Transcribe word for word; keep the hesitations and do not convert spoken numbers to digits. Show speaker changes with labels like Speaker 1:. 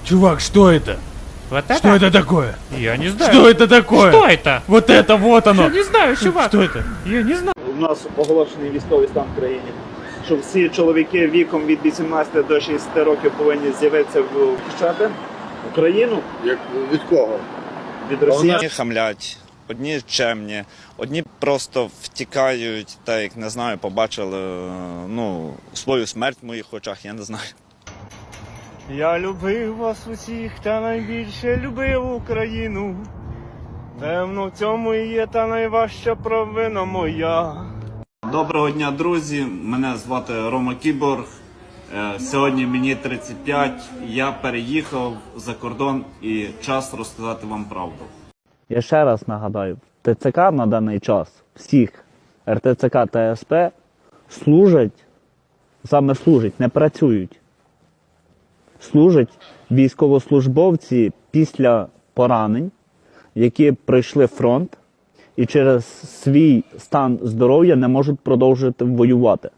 Speaker 1: Чувак, что это?
Speaker 2: Вот это?
Speaker 1: Что это такое?
Speaker 2: Я не знаю.
Speaker 1: Что это такое?
Speaker 2: Что это?
Speaker 1: Вот это, вот оно!
Speaker 2: Я не знаю, чувак.
Speaker 1: Что это?
Speaker 2: Я не знаю.
Speaker 3: У нас оголошений військовий стан в країні, що всі чоловіки віком від вісімнадцяти до шістдесяти років повинні з'явитися в захищати Україну.
Speaker 4: Як від кого?
Speaker 3: Від Росії.
Speaker 5: Одні хамлять, одні чемні, одні просто втікають, так як, не знаю, побачили ну, свою смерть в моїх очах, я не знаю.
Speaker 6: Я любив вас усіх, та найбільше любив Україну. Певно, в цьому і є та найважча провина моя.
Speaker 5: Доброго дня, друзі! Мене звати Рома Кіборг. Е, Сьогодні мені тридцять п'ять, я переїхав за кордон і час розказати вам правду.
Speaker 7: Я ще раз нагадаю, ТЦК на даний час, всіх РТЦК та СП служать, саме служать, не працюють. Служать військовослужбовці після поранень, які пройшли фронт і через свій стан здоров'я не можуть продовжувати воювати.